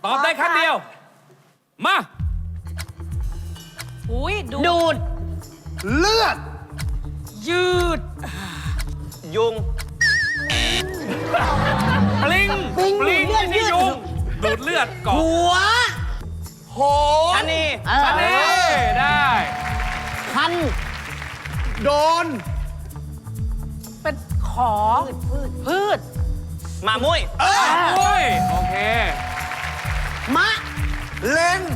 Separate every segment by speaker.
Speaker 1: ตอบได้ครั้งเดียว มา
Speaker 2: อุ้ยดู
Speaker 3: ดูด
Speaker 4: เลือด
Speaker 2: ยืด
Speaker 3: ยุง
Speaker 1: ปลิง
Speaker 3: ปลิง
Speaker 1: ไม่ใช่ยุงดูดเลือดเกาะ
Speaker 3: หัว
Speaker 4: โห
Speaker 3: ชะนี
Speaker 1: อันนี้ได้
Speaker 3: คัน
Speaker 4: โดน
Speaker 2: เป็นขอพืช
Speaker 3: หมามุ้ย
Speaker 1: โอ้ยโอเค
Speaker 3: มะ
Speaker 4: เล็ง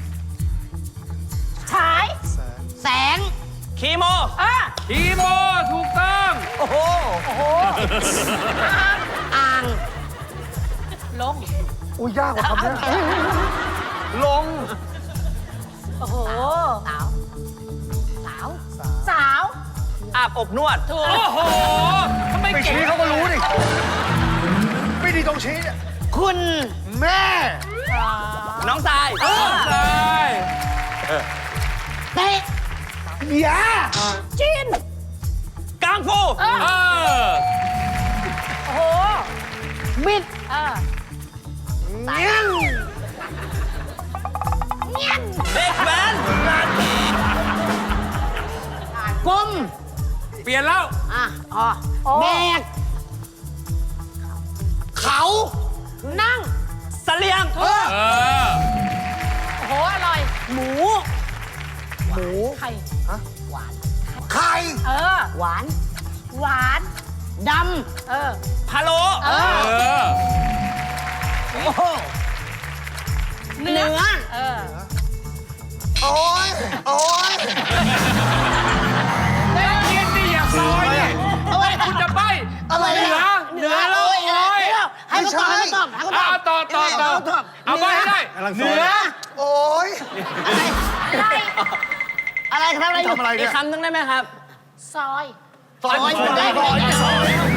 Speaker 2: ฉาย
Speaker 3: แสง คีโม
Speaker 1: คีโมถูกต้อง
Speaker 3: โอ้โห
Speaker 2: โอ้โห
Speaker 3: อ่าง
Speaker 2: ลง
Speaker 4: อุ้ยยากกว่าคำนี้ลง
Speaker 2: โอ้โห สาว สาว สาว
Speaker 3: อาบอบนวด
Speaker 2: ถูก
Speaker 1: โอ้โหทำไม
Speaker 4: ไป
Speaker 1: เก่ง
Speaker 4: ชี้เขาก็รู้ดิไม่ดีตรงชี้เนี่ย
Speaker 3: คุณ
Speaker 4: แม่
Speaker 3: น้องทราย
Speaker 1: ได้
Speaker 3: เตะ
Speaker 4: ยา
Speaker 2: จีน
Speaker 3: กังฟู
Speaker 1: เออ
Speaker 2: โอ้โห
Speaker 3: มิด
Speaker 4: เงี้ยง
Speaker 3: เด็กแว้นกลม
Speaker 1: เปลี่ยนแล้ว
Speaker 3: แบก
Speaker 4: เขา
Speaker 2: นั่ง
Speaker 3: เสลียง
Speaker 1: เออ
Speaker 2: โอ้โห อร่อย
Speaker 3: หมู
Speaker 4: หมู
Speaker 2: ไข่
Speaker 4: ไข่
Speaker 2: เออ
Speaker 3: หวาน
Speaker 2: หวาน
Speaker 3: ด
Speaker 2: เออ
Speaker 3: ำพะโล
Speaker 2: เอ
Speaker 1: เอ
Speaker 2: อ
Speaker 1: อ
Speaker 3: โอ้โหเนื้อ
Speaker 2: เออ
Speaker 4: โอ้ยโอ้ย
Speaker 1: เรียนดิอย่าซอยดิคุณจะใบ้
Speaker 4: อะไร
Speaker 1: เหนือ
Speaker 4: อ่ะ
Speaker 1: เหนือแล้วโอ้ย
Speaker 3: ให้เขาตอบให้เขาตอบให้เขาตอบ
Speaker 1: ต่อเอาใบ้ให้ได้ เหนือ
Speaker 4: โอ้ย
Speaker 3: อะไรครับอะไรอยู่
Speaker 4: ทำอะไรเนี่ย
Speaker 3: อีกคำหนึงได้ไหมครับ
Speaker 2: ซอย
Speaker 4: ซอยซอยซอย